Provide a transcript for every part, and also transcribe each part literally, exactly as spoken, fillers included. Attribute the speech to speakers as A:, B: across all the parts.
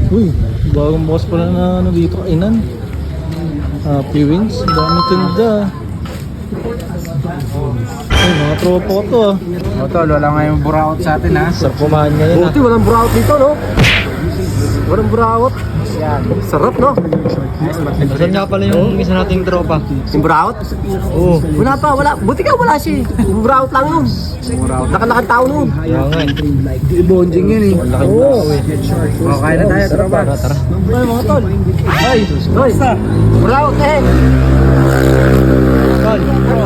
A: Uy, bagong boss pala na ano dito, kainan. Happy Wings, dami tinda. Ay, mga tropa ko to ah.
B: O tol, wala nga yung buraot sa atin ha.
A: Sarap kumain ngayon ah.
C: Buti walang buraot dito, no? Walang buraot.
B: Yan.
C: Sarap, no?
A: Saan nga pala yung isa nating tropa?
C: Yung buraot? Oo. Wala pa, wala. Buti ka, wala siya. Yung buraot lang yun.
B: Buraot.
C: Nakalakad tao nun.
A: Kaya nga eh.
B: Bonding yun eh.
A: Oo.
B: O, kain na tayo, tropa.
A: Tara, tara.
C: Ay, mga tol. Ay, ay. Buraot eh.
A: Tol.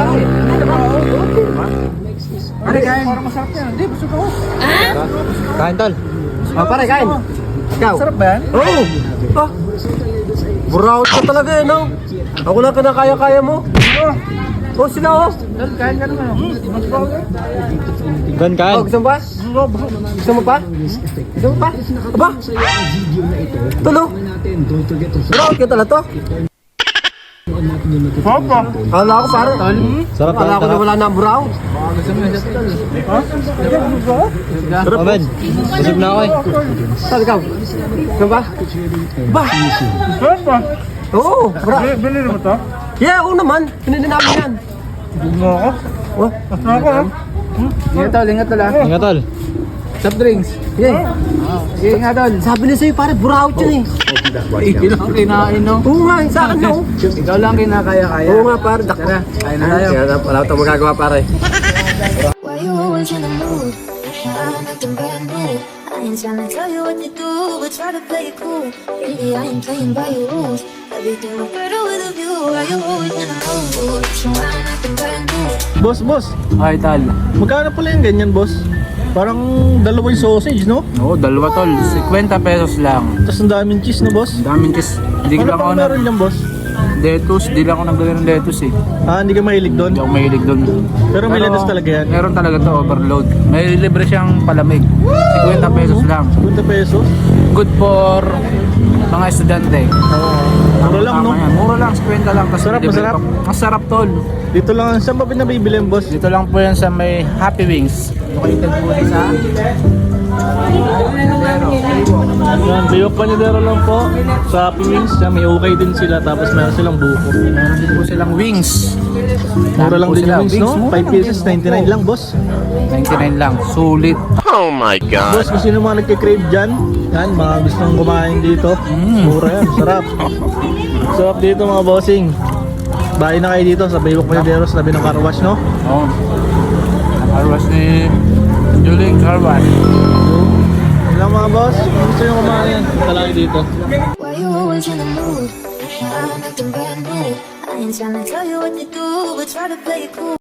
B: Pare, kain. Parang masarap yan. Hindi, busog ako.
A: Kain tol.
C: Ah, pare, kain. Ikaw.
B: Sarap ba yan?
C: Oo. Ah. Buraot ka talaga eh, no? Ako lang kinakaya-kaya mo. Oh, sila oh.
B: Tol, kain ka naman. Mas powder.
A: Gan kain.
C: Oh, gusto mo pa? Gusto mo pa? Gusto mo pa? Aba? Tulo. Buraot ka talaga to.
B: Papa.
C: Kala ko parang.
A: Sarap
C: Kala ko na
A: tol.
C: wala na ang buraot.
B: Gusto mo yung tol. Ha?
A: Sarap men. Busog na ako eh.
C: Saan ikaw? Gusto mo ba? Ba?
B: Sarap ba?
C: Oo. Bra.
B: Bili mo to?
C: Yeah, ako naman. Pinili namin yan.
B: Bili mo ako?
C: Oh.
B: Ako ha? Ingat tol, ingat tol ha.
A: Ingat tol.
B: Soft drinks.
C: Yeah.
B: Sige nga tol.
C: Sabi niya sa'yo, pare, buraot yun eh.
B: Ikaw lang kinain no?
C: Oo nga, sa akin no.
B: Ikaw lang kinakaya-kaya.
C: Oo nga, pare. Dak-
B: Tara, kain na tayo.
C: Kaya wala ito magagawa, pare.
D: Why you always in the mood? I'm acting brand new. I ain't tryna tell you what to do, but try to play it cool. Really, I ain't playing by your rules. Everything look better with a view. Why you always in the mood? So I'm acting brand new.
A: Boss, boss.
B: Ay tol.
A: Magkano pala yung ganyan boss? Parang dalawa yung sausage no?
B: Oo, dalawa tol. fifty pesos lang.
A: Tapos ang daming cheese no boss?
B: Ang daming cheese. Hindi ko
A: Ano
B: lang
A: pang
B: ako na...
A: meron dyan boss?
B: Lettuce, di lang ako nagdala ng lettuce eh.
A: Ah, hindi ka mahilig doon?
B: Hindi ako mahilig doon.
A: Pero may lettuce talaga yan?
B: Meron talaga to, overload. May libre siyang palamig. fifty pesos lang.
A: fifty pesos?
B: Good for mga estudyante.
A: Mura lang no?
B: Tama yan. Mura lang, fifty lang. Tapos
A: Masarap,
B: libre
A: masarap.
B: pa. Masarap tol.
A: Dito lang, saan ba pinabibili yung boss?
B: Dito lang po yan sa may Happy Wings. Located po yan sa...
A: Yan, Bayok Panadero lang po sa Happy Wings. Yan, may okay din sila tapos meron silang buko.
B: Meron din po silang wings.
A: Mura lang
B: Po
A: din
B: sila.
A: yung wings no?
B: mura
A: five
B: lang.
A: pieces, ninety-nine lang boss.
B: ninety-nine lang. Sulit.
A: Boss, kung sino mga nagkikrave dyan, yan, mga gustong kumain dito. Mura yan, sarap. Sarap dito mga bossing. Bahay na kayo dito sa Bayok Panadero sa tabi ng car wash no?
B: Oo. Carwash ni Julie Carwash.
A: Yan lang mga boss, kung gusto nyo kumain, punta lang kayo dito.
D: Why you always in the mood? I'm acting brand new. I ain't tryna tell you what to do, but try to play it cool.